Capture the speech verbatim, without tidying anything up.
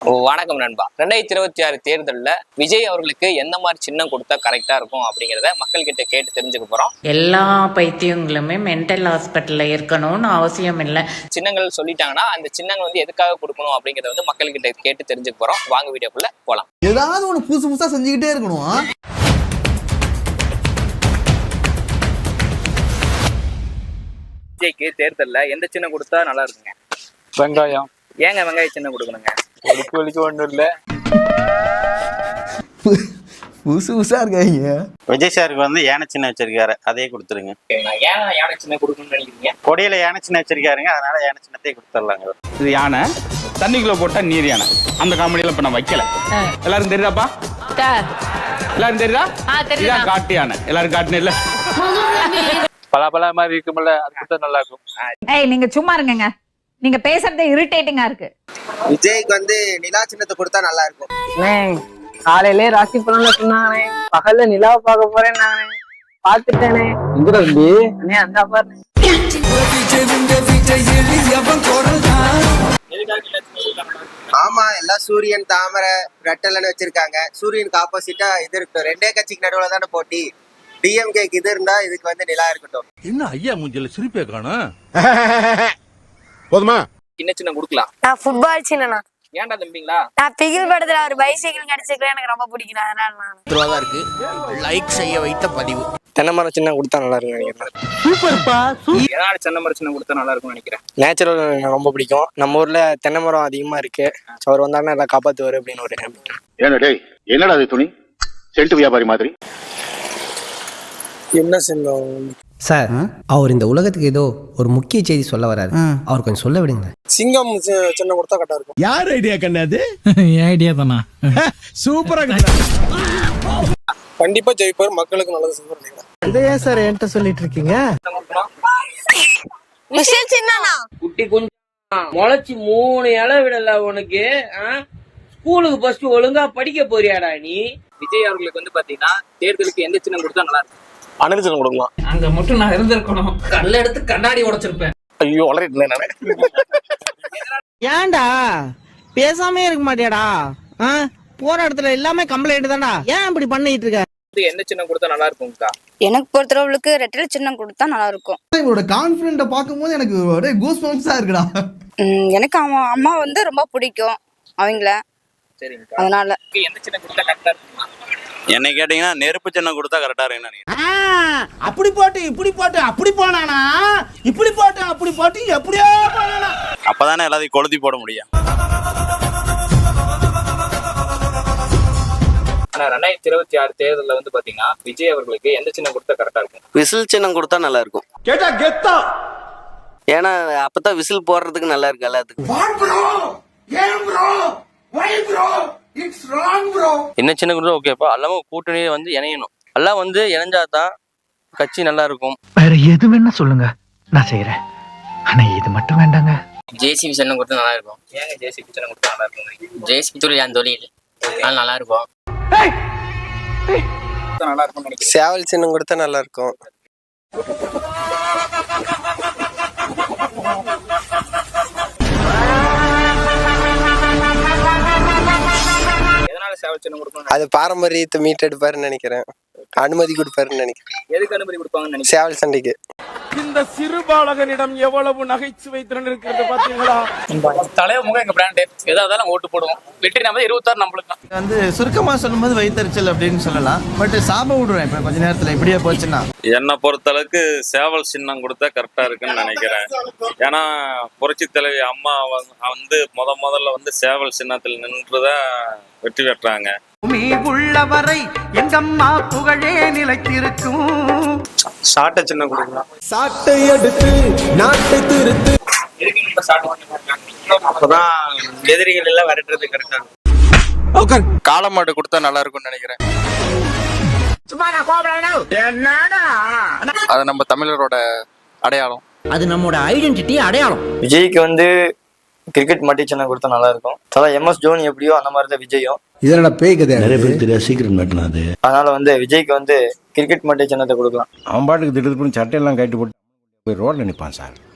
வணக்கம் நண்பா. ரெண்டாயிரத்தி இருபத்தி ஆறு தேர்தலில் விஜய் அவர்களுக்கு எந்த மாதிரி சின்னம் கொடுத்தா கரெக்டா இருக்கும் அப்படிங்கிறத மக்கள் கிட்ட கேட்டு தெரிஞ்சுக்க போறோம். எல்லா பைத்தியங்களுமே மென்டல் ஹாஸ்பிட்டல்ல இருக்கணும்னு அவசியம் இல்லை. சின்னங்கள் சொல்லிட்டாங்கன்னா அந்த சின்னங்கள் வந்து எதுக்காக கொடுக்கணும் அப்படிங்கறத வந்து மக்கள் கிட்ட கேட்டு தெரிஞ்சுக்க போறோம். வாங்க வீடியோக்குள்ள போலாம். ஏதாவது ஒண்ணு புதுசு புதுசா செஞ்சுக்கிட்டே இருக்கணும். விஜய்க்கு தேர்தலில் எந்த சின்னம் கொடுத்தா நல்லா இருக்குங்க? வெங்காயம். ஏங்க வெங்காய சின்னம் கொடுக்கணுங்க? ஒழுக்கு ஒழுக்கு ஒன்றும் இல்லை, புதுசு புதுசா இருக்காங்க. விஜய் சாருக்கு வந்து யானை சின்ன வச்சிருக்காரு, அதே கொடுத்துருங்க. ஏன் யானை சின்னம் கொடுக்கணும்னு நினைக்கிறீங்க? கொடியில யானை சின்ன வச்சிருக்காருங்க, அதனால யானை சின்னத்தையே கொடுத்துடலாங்க. இது யானை தண்ணிக்குள்ள போட்டா நீர் யானை. அந்த காமெடியில இப்ப நான் வைக்கல. எல்லாரும் தெரியுதாப்பா? எல்லாரும் தெரியுதா? இதான் காட்டு யானை. எல்லாரும் காட்டுன இல்ல பல பல மாதிரி இருக்கும்ல, அது கொடுத்தா நல்லா இருக்கும். ஏய் நீங்க சும்மா இருங்கங்க, நீங்க பேசுறதே இரிட்டேட்டிங்கா இருக்கு. விஜய்க்கு வந்து நிலா சின்னத்தை கொடுத்தா நல்லா இருக்கும். காலையிலே ராசி பலன்ல சொன்னாங்கண்ணே, பகல்ல நிலாவை பார்க்க போறேன் நானே, பாத்துட்டேனே. அண்ணே அந்த பாரு. ஆமா, எல்லாம் சூரியன் தாமரை ரெட்டலன்னு வச்சிருக்காங்க. சூரியனுக்கு ஆப்போசிட்டா இது இருக்கட்டும். ரெண்டே கட்சிக்கு நடுவுல தானே போட்டி. டிஎம்கேக்கு இது இருந்தா இதுக்கு வந்து நிலா இருக்கட்டும். என்ன ஐயா மூஞ்சில சிரிப்பே காணோம். போதுமா? சின்ன சின்ன கொடுக்கலாம். நான் ஃபுட்பால் சின்னனா. ஏன்டா தம்பிங்களா? நான் பிகில் படத்துல ஒரு பைசைக்கிள் கிடைச்சிருக்கேன், எனக்கு ரொம்ப பிடிக்கும். அதனால நான் இருக்கு லைக் செய்ய வைத்த பதிவு. தென்னை மரம் சின்ன கொடுத்தா நல்லா இருக்கும் நினைக்கிறேன். சூப்பர்ப்பா. ஏன்னா தென்னை மரம் சின்ன கொடுத்தா நல்லா இருக்கும்னு நினைக்கிறேன். நேச்சுரல் எனக்கு ரொம்ப பிடிக்கும். நம்ம ஊர்ல தென்னை மரம் அதிகமா இருக்கு. அவர் வந்தாங்கன்னா எல்லாம் காப்பாத்துவாரு அப்படின்னு ஒரு ஏன்னா டேய், என்னடா அது துணி செல்ட்டு வியாபாரி மாதிரி. என்ன சின்னம் சார்? அவர் இந்த உலகத்துக்கு ஏதோ ஒரு முக்கிய செய்தி சொல்ல வராரு, அவர் கொஞ்சம் சொல்ல விடுங்க. சிங்கம் சின்ன கொடுத்தா கரெக்டா இருக்கும். யார் ஐடியா கண்ணாது? என் ஐடியா தானா? சூப்பரா. கண்டிப்பா ஜெயிப்பார், மக்களுக்கு நல்லது செய்வார். இதை ஏன் சார் என்கிட்ட சொல்லிட்டு இருக்கீங்க? விஷயம் சின்னனா குட்டி கொஞ்சம் முளைச்சி மூணு இலை விடல உனக்கு. ஸ்கூலுக்கு ஃபர்ஸ்ட் ஒழுங்கா படிக்க போறியாடா நீ? விஜய் அவர்களுக்கு வந்து பாத்தீங்கன்னா தேர்தலுக்கு எந்த சின்னம் கொடுத்தா நல்லா இருக்கும்? அனல் சின்னம் கொடுக்கலாம். அங்க மட்டும் நான் இருந்திருக்கணும், கல்ல எடுத்து கண்ணாடி உடைச்சிருப்பேன். ஐயோ வளரிட்டு நானே. ஏன்டா பேசாமே இருக்க மாட்டியாடா? போற இடத்துல எல்லாமே கம்ப்ளைண்ட் தான்டா. ஏன் இப்படி பண்ணிட்டு இருக்க? எந்த சின்னம் கொடுத்தா நல்லா இருக்கும்க்கா? எனக்கு பொறுத்தளவுக்கு ரெட்டல சின்னம் கொடுத்தா நல்லா இருக்கும். இவரோட கான்ஃபிடென்ட்ட பாக்கும்போது எனக்கு ஒரே கூஸ் பம்ப்ஸா இருக்குடா. எனக்கு அவன் அம்மா வந்து ரொம்ப பிடிக்கும் அவங்கள. சரிங்க. அதனால எந்த சின்னம் கொடுத்தா கரெக்டா இருக்குமா? என்னை கேட்டீங்கன்னா நெருப்பு சின்னம் கொடுத்தா கரெக்டா இருக்குன்னு. அப்படி போட்டு இப்படி போட்டு அப்படி போனானா, இப்படி போட்டு அப்படி போட்டு எப்படியோ போனானா, அப்பதானே எல்லாத்தையும் கொளுத்தி போட முடியும். ஆனா ரெண்டாயிரத்தி இருபத்தி ஆறு தேர்தலில் வந்து பாத்தீங்கன்னா விஜய் அவர்களுக்கு எந்த சின்னம் கொடுத்தா கரெக்டா இருக்கும்? விசில் சின்னம் கொடுத்தா நல்லா இருக்கும். கேட்டா கெத்தா. ஏன்னா அப்பதான் விசில் போடுறதுக்கு நல்லா இருக்கு எல்லாத்துக்கும். என்ன சின்ன கொடுத்தா ஓகேப்பா. எல்லாமே கூட்டணியே வந்து இணையணும். எல்லாம் வந்து இணைஞ்சாதான் கட்சி நல்லா இருக்கும். வேற எது வேணா சொல்லுங்க, நான் செய்யறேன். ஆனா இது மட்டும் வேண்டாங்க. ஜேசிபி சின்னம் கொடுத்தா நல்லா இருக்கும். ஏங்க ஜேசிபி சின்னம் கொடுத்தா நல்லா இருக்கும்? ஜேசிபி தொழில் என் தொழில் அதனால நல்லா இருக்கும். நல்லா இருக்கும்னு நினைக்கிறேன். சேவல் சின்னம் கொடுத்தா நல்லா இருக்கும். எதனால சேவல் சின்னம் கொடுக்கணும்? அது பாரம்பரியத்தை மீட்டெடுப்பாருன்னு நினைக்கிறேன். அனுமதி கொடுப்பாருன்னு நினைக்கிறேன். எதுக்கு அனுமதி கொடுப்பாங்கன்னு நினைக்கிறேன்? சேவல் சண்டைக்கு. இந்த சிறுபாலகனிடம் எவ்வளவு நகைச்சுவை திறன் இருக்கிறது பாத்தீங்களா? தலைவர் முகம் எங்க பிராண்டு, ஏதாவது ஓட்டு போடுவோம். வெற்றி நம்ம இருபத்தாறு நம்மளுக்கு வந்து சுருக்கமா சொல்லும்போது வயிற்றுச்சல் அப்படின்னு சொல்லலாம். பட் சாப விடுவேன் இப்ப கொஞ்ச நேரத்துல இப்படியே போச்சுன்னா. என்னை பொறுத்தளவுக்கு சேவல் சின்னம் கொடுத்தா கரெக்டா இருக்குன்னு நினைக்கிறேன். ஏன்னா புரட்சி தலைவி அம்மா வந்து முத முதல்ல வந்து சேவல் சின்னத்தில் நின்றுதான் வெற்றி பெற்றாங்க. உள்ளவரை எங்கம்மா புகழே நிலைத்திருக்கும். சாட்டை சின்னம் கொடுக்கலாம். சாட்டை எடுத்து நாட்டை திருத்து. அப்பதான் எதிரிகள் எல்லாம் விரட்டுறது கரெக்டா இருக்கும். காளை மாடு கொடுத்தா நல்லா இருக்கும்னு நினைக்கிறேன். அது நம்ம தமிழரோட அடையாளம். அது நம்மோட ஐடென்டிட்டி, அடையாளம். விஜய்க்கு வந்து கிரிக்கெட் மட்டி சின்னம் கொடுத்தா நல்லா இருக்கும். அதான் எம் எஸ் தோனி எப்படியோ அந்த மாதிரி தான் விஜயும். இதனோட பேய் கதை நிறைய பேர் தெரியாது, சீக்கிரம் மாட்டினாது. அதனால வந்து விஜய்க்கு வந்து கிரிக்கெட் மட்டி சின்னத்தை கொடுக்கலாம். அவன் பாட்டுக்கு திட்டு பண்ணி சட்டையெல்லாம் கட்டி போட்டு போய் ரோட்ல நிற்பான் சார்.